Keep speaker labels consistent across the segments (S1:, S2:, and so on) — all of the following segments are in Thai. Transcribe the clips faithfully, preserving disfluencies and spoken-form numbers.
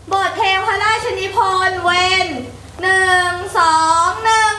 S1: บทเพลงพระราชนิพนธ์เวนหนึ่งสองหนึ่ง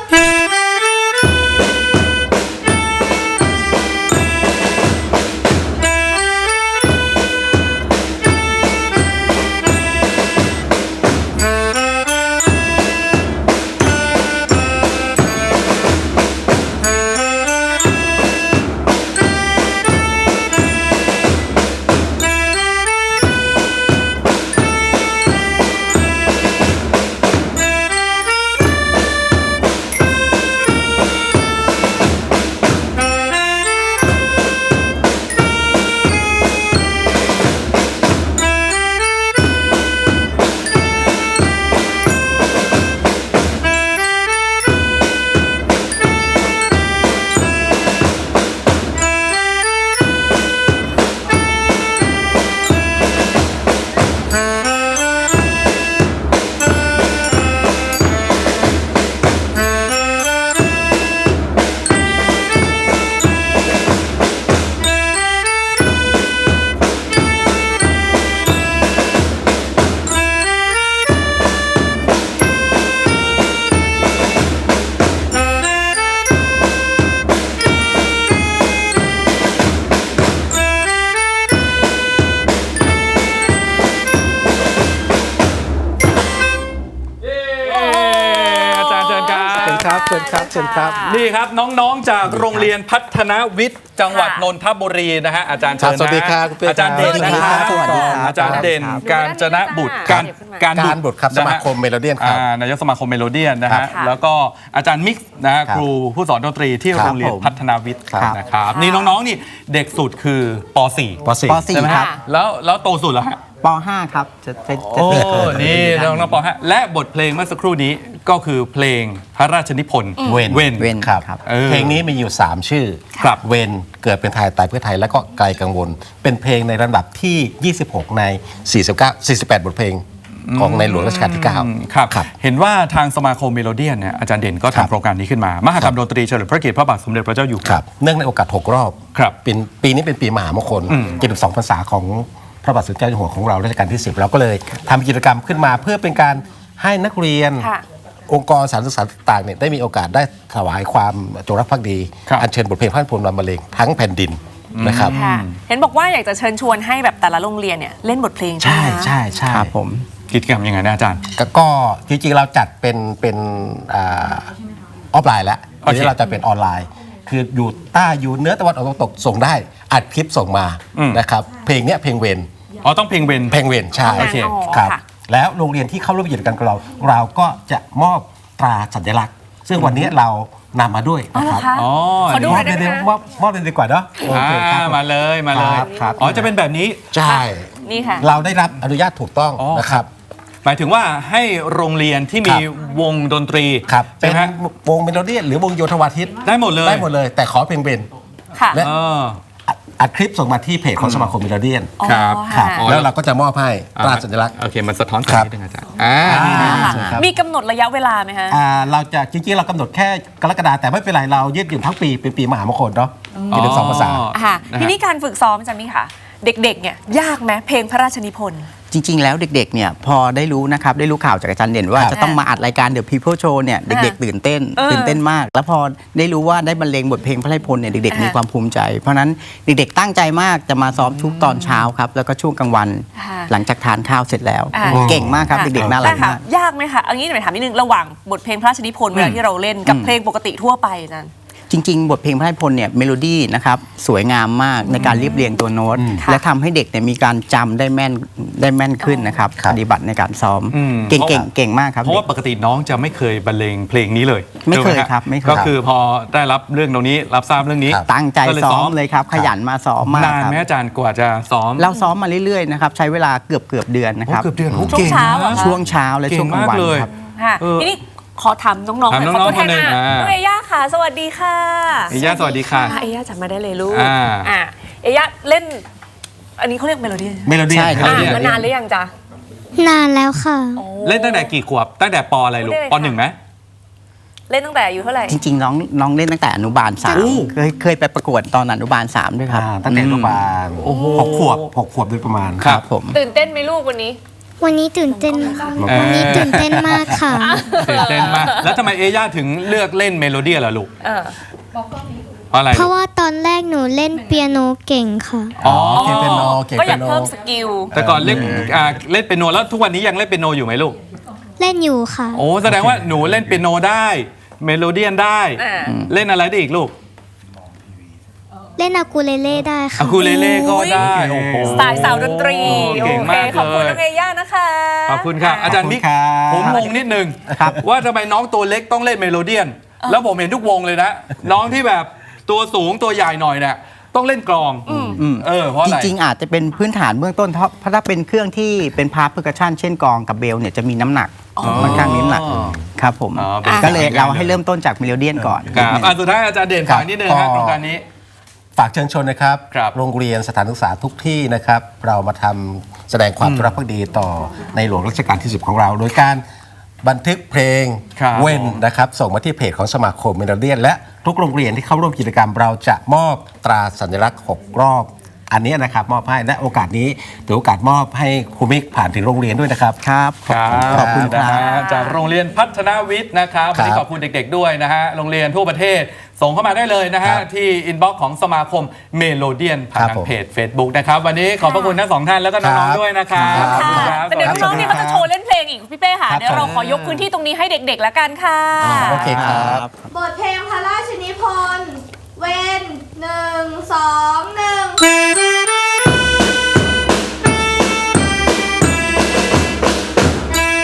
S2: เชิญครับเชิญครับ
S3: นี่ครับน้องๆจากโรงเรียนพัฒนวิทย์จังหวัดนนทบุรีนะฮะอาจารย์เชิญนะ
S2: สวัสดีครับ
S3: อาจารย์เด่นนะครับ
S2: สวัสดีครับ
S3: อาจารย์เด่นการจนะบุตรการ
S2: การบุตรครับสมาคมเมโลเดียนครับ
S3: นายกสมาคมเมโลเดียนนะฮะ
S2: ครับ
S3: แล้วก็อาจารย์มิกซ์นะฮะ
S2: ครับ
S3: ครูผู้สอนดนตรีที่
S2: ครับ
S3: โรงเรียน
S2: ผม
S3: พัฒนาวิทย์
S2: ครับ
S3: นะครับนี่น้องๆนี่เด็กสุดคือป .สี่
S2: ป .สี่
S4: ป .สี่
S3: ใช่ไหม
S4: ครับ
S3: แล้วแล้วโตสุดแล้วฮะ
S4: ป .ห้า ครับ จะจะจะ
S3: โอ้
S4: เกิด
S3: นี่น้องๆป .ห้า และบทเพลงเมื่อสักครู่นี้ก็คือเพลงพระราชนิพนธ์
S2: เวน
S3: เวน
S4: เว้น
S2: ครับ
S4: ครับ
S3: เออ
S2: เพลงนี้มีอยู่ สาม ชื่อ
S3: ครับ
S2: เวนเกิดเป็นไทยตายเพื่อไทยแล้วก็ไกลกังวล เป็นเพลงในลำดับที่ ยี่สิบหก ใน สี่สิบเก้า สี่สิบแปด บทเพลงของในหลวงรัชกาลที่ เก้า
S3: ครับ
S2: ครับ
S3: เห็นว่าทางสมาคมเมโลเดียนเนี่ยอาจารย์เด่นก็
S2: ครับ
S3: ทำโครงการนี้ขึ้นมา มหกรรมดนตรีเฉลิมพระเกียรติพระบาทสมเด็จพระเจ้าอยู่หัว
S2: ครับเนื่องในโอกาส หก รอบ
S3: ครับ
S2: เป็นปีนี้เป็นปีมหามงคล
S3: อืม
S2: เจ็ดสิบสองพรรษาของพระบาทสมเด็จเจ้าอยู่หัวของเรารัชกาลที่ สิบเราก็เลยทำกิจกรรมขึ้นมาเพื่อเป็นการให้นักเรียน
S1: ค่ะ
S2: องค์กรสถานศึกษาต่างๆเนี่ยได้มีโอกาสได้ถวายความจงรักภักดี
S3: ครับ
S2: อัญเชิญบทเพลงพระราชนิพนธ์รำบรรเลงทั้งแผ่นดินนะครับ
S1: ค่ะเห็นบอกว่าอยากจะเชิญชวนให้แบบแต่ละโรงเรียนเนี่ยเล่นบทเพลง
S2: ใช่
S1: ไหมคะ
S2: ใช่ใช่
S4: ครับผม
S3: กิจกรรมยังไงนะอาจารย์
S2: ก็ก็จริงๆเราจัดเป็นเป็นอาออฟไลน์แล้ว
S3: โอเค
S2: ทีนี้เราจะเป็นออนไลน์ คืออยู่ใต้อยู่เหนื้อตะวันออกตะวันตกส่งได้อัดคลิปส่งมา
S3: อืม
S2: นะครับเพลงเนี้ยเพลงเวน
S3: อ๋อต้องเพลงเวน
S2: เพลงเวนใช่
S3: โอเค
S2: ครับ
S1: ค่ะ
S2: แล้วโรงเรียนที่เข้าร่วมกิจกรรมกับเรา เราก็จะมอบตราสัญลักษณ์ ซึ่งวันนี้เรานำมาด้วย
S1: อ๋อ
S2: นะ
S1: เหร
S2: ค
S1: อ
S2: รับ
S1: คะ
S3: อ๋อ
S1: ขอดู
S2: ม
S1: ห
S2: อ
S1: น่
S2: บ
S1: อย
S2: เลย
S1: ได้ไหม
S2: มอบมอบเลยดีกว่าเนาะโอเคค
S3: อ่า
S2: รับ
S3: มาเลยมาเลย
S2: ครับครับ
S3: อ๋อจะเป็นแบบนี้
S2: ใช่
S1: นี่ค่ะ
S2: เราได้รับอนุญาตถูกต้อง
S3: อ๋อ
S2: นะครับ
S3: หมายถึงว่าให้โรงเรียนที่มี
S2: ครับ
S3: วงดนตรี
S2: ครับ
S3: ใช่
S2: เป็น
S3: ไหมฮะ
S2: วงเมโลเดียนหรือวงโยธวาทิต
S3: ได้หมดเลย
S2: ได้หมดเลย แต่ขอเพลงเวน
S1: ค่ะ
S2: และ
S3: เออ
S2: อัดอัดคลิปส่งมาที่เพจของสมาคมเมโลเดียน
S1: อ๋อ
S3: ครับ
S2: ครับ
S1: ค่ะ
S2: แล้วเราก็จะมอบให้ตราสัญลักษณ์
S3: โอเคมันสะท้อนแส
S2: ครั
S3: ง
S2: บ
S3: นิดนึงอาจารย์อ่า
S2: อ่า
S1: ค่ะ
S2: ครับ
S1: มีกำหนดระยะเวลาไหมคะ
S2: อ่าเราจะจริงๆเรากำหนดแค่กรกฎาแต่ไม่เป็นไรเรายืดหยุ่นทั้งปีเป็นปีมหามงคลเนาะมีถึงสองภาษา
S1: ค่ะ
S3: นะฮะ
S1: ทีนี้การฝึกซ้อมอาจารย์มิค่ะ เด็กๆเนี่ยยากไหมเพลงพระราชนิพนธ์
S4: จริง ๆ แล้วเด็ก ๆ เนี่ย พอได้รู้นะครับ ได้รู้ข่าวจากอาจารย์เด่นว่า
S2: ครับ
S4: จะต้องมาอัดรายการ The People Show เนี่ย เด็ก ๆ ตื่นเต้น
S1: เออ
S4: ตื่นเต้นมาก แล้วพอได้รู้ว่าได้บรรเลงบทเพลงพระราชนิพนธ์เนี่ย เด็ก ๆ
S1: อ่ามี
S4: มีความภูมิใจ เพราะฉะนั้นเด็ก ๆ ตั้งใจมากจะมาซ้อมทุกตอนเช้าครับ แล้วก็ช่วงกลางวัน
S1: ค่ะ
S4: หลังจากทานข้าวเสร็จแล้ว
S1: อ่า
S4: เก่งมากครับ เด็ก ๆ น่ารัก
S1: แต่ค่ะ
S4: มาก
S1: ยากไหมคะเอางี้หน่อยถามนิดนึงระหว่างบทเพลงพระราชนิพนธ์เวลาที่เราเล่นกับเพลงปกติทั่วไปอาจารย์
S4: จริง ๆ บทเพลงพระราชนิพนธ์เนี่ยเมโลดี้นะครับสวยงามมากในการเรียบเรียงตัวโน้ต และทำให้เด็กเนี่ยมีการจำได้แม่นได้แม่นขึ้นนะครับ
S2: ครับ
S4: ปฏิบัติในการซ้อม
S3: อืม
S4: เก่ง
S3: เพราะ
S4: เก่งเก่งมากครับ
S3: เพราะว่าปกติน้องจะไม่เคยบรรเลงเพลงนี้เลย
S4: ไม่เคย
S3: ถูกหฮะ
S4: ครับไม่เคย
S3: ก็คือพอได้รับเรื่องตรงนี้รับทราบเรื่องนี้
S2: ครับ
S4: ตั้งใจ
S3: ก็เลย
S4: ซ้อมเลยครับ ขยันมาซ้อมมาก
S3: นาน
S4: ครับ
S3: ไหมอาจารย์กว่าจะซ้อม
S4: เราซ้อมมาเรื่อยๆนะครับใช้เวลาเกือบเกือบเดือนนะ
S3: โอ้
S4: ครับ
S3: เกือบเดือนโอ้
S1: ช่วง
S3: ก่
S1: เช้า
S3: นะ
S1: อะคะ
S4: ช่วงเช้าและ
S3: เก่ง
S4: ช่วงกลางวัน
S3: มากเลย
S4: ครับ
S1: ค่ะ
S3: เออ
S1: ทีนี้ขอถามน้องๆหน่อย
S3: ถาม
S1: ขอ
S3: น้องๆ
S1: ตัวแทน
S3: คนหนึ่ง
S1: อ่ะ
S3: อ่า
S1: น้องเอย่าค่ะ สวัสดีค่ะ
S3: เอย่าสวัสดีค่ะ
S1: อ่เอย่าจำมาได้เลยลูก
S3: อ่า
S1: อ่ะเอย่าเล่น อันนี้เขาเรียกเมโลดี้
S2: เมโลเดียน
S4: ใช่ครับ
S1: อ่ะ
S3: เมโลดี้
S1: มานานหรือยังจ๊ะ
S5: นานแล้วค่ะ
S3: เล่นตั้งแต่กี่ขวบตั้งแต่ปอะไรลูก
S1: พูดได้เลย
S3: ป
S1: ค่ะ
S3: หนึ่งไหม
S1: เล่นตั้งแต่อายุเท่าไหร่
S4: จริงๆน้องน้องเล่นตั้งแต่อนุบาลสาม
S2: โอ้
S4: เคยเคยไปประกวดตอนอนุบาลสามด้วยครับ
S2: อ่าตั้งแต่อนุบาล
S3: โอ้โห
S2: หกขวบหกขวบโดยประมาณ
S3: ครับ
S4: ผม
S1: ตื่นเต้นไหมลูกวันนี้
S5: วันนี้ตื่นเต้นวันนี้ตื่นเต้นมากค่ะ
S3: ตื่นเต้นมากแล้วทำไมเอย่าถึงเลือกเล่นเมโลดี้ล่ะลูก
S1: เออ
S3: เพราะอะไร
S5: เพราะว่าตอนแรกหนูเล่นเปียโนเก่งค่ะ
S3: อ๋อ
S2: เก่งเปียโนเก่ง
S1: ก็อ
S2: เปี
S1: ยาย ก
S2: โน
S1: เพิ่มสกิล
S3: แต่ก่อนเล่นอ่าเล่นเปียโนแล้วทุกวันนี้ยังเล่นเปียโนอยู่ไหมลูก
S5: เล่นอยู่ค่ะ
S3: โอ้แสดงว่าหนูเล่นเปียโนได้เมโลเดียนได้
S1: อ่า
S3: เล่นอะไรได้อีกลูก
S5: เล่นอากูเลเล่ได้
S3: อะ
S5: ค่ะ
S3: คูเลเล่ก็ได้โอ้โห
S1: สไตล์สาวดนตรี
S3: เก่งมาก
S1: โอเคขอบคุณ
S3: เลย
S1: น้องเอย่านะคะ
S3: ขอบคุณค่ะอาจารย์มิก
S2: ขอบคุณครับ
S3: ผมงงนิดนึง
S4: ครับ
S3: ว่าทำไมน้องตัวเล็กต้องเล่นเมโลเดียน แล้วผมเห็นทุกวงเลยนะ น้องที่แบบตัวสูงตัวใหญ่หน่อยเนี่ยต้องเล่นกลองเออเพราะอะ
S4: จ
S3: ไร
S4: ริงๆ อาจจะเป็นพื้นฐานเบื้องต้นเพราะเพราะถ้าเป็นเครื่องที่เป็นพาร์ทเพอร์คัชชันเช่นกลองกับเบลเนี่ยจะมีน้ำหนักค่อนข้างมีน้ำหนักครับผม
S3: อ๋อเป็น
S4: ก็เลย
S3: สายงาน
S4: เราให้เริ่มต้นจากเมโลเดียนก่อน
S3: ครับอ่ะสุดท้ายอาจารย์เด่นฝากนิดนึง
S2: ครั
S3: ฮะ
S2: บ
S3: โครงการนี้
S2: ฝากเชิญชวนนะครับ
S3: ครับ
S2: โรงเรียนสถานศึกษาทุกที่นะครับ เรามาทำแสดงความจงรักภักดีต่อในหลวงรัชกาลที่สิบของเรา โดยการบันทึกเพลง
S3: ครับ
S2: เว้นนะครับ ส่งมาที่เพจของสมาคมเมโลเดียน และทุกโรงเรียนที่เข้าร่วมกิจกรรม เราจะมอบตราสัญลักษณ์หกรอบ อันนี้นะครับมอบให้และโอกาสนี้ถือโอกาสมอบให้ครูมิกผ่านถึงโรงเรียนด้วยนะครับ
S4: ครับ
S3: ครับ
S4: ขอบคุณค
S3: นะ
S4: รับ
S3: ฮะจากโรงเรียนพัฒนาวิทย์นะครับวันนี้
S2: ครับ
S3: ขอบคุณเด็กๆด้วยนะฮะโรงเรียนทั่วประเทศส่งเข้ามาได้เลยนะฮะ
S2: ครับ
S3: ที่อินบ็อกซ์ของสมาคมเมโลเดียนผ่าน
S2: ครับ
S3: ทาง
S2: ผม
S3: เพจ Facebook นะครับวันนี้ขอบพระคุณทั้งสองท่านแล้วก็น้อง
S2: ครับ
S3: ๆด้วยนะครับ
S2: ครับ
S3: ขอบคุณค
S1: ค่ะ
S3: รับ
S1: แต่เดี๋ยวน้องๆนี่เขาจะโชว์เล่นเพลงอีกพี่เป้ค่ะ
S2: ครับ
S1: เดี๋ยวเราขอยกพื้นที่ตรงนี้ให้เด็กๆแล้วกันค่ะ
S2: โอเคครับ
S6: บทเพลงพระราชนิพนธ์เว้นหนึ่งสองหนึ่ง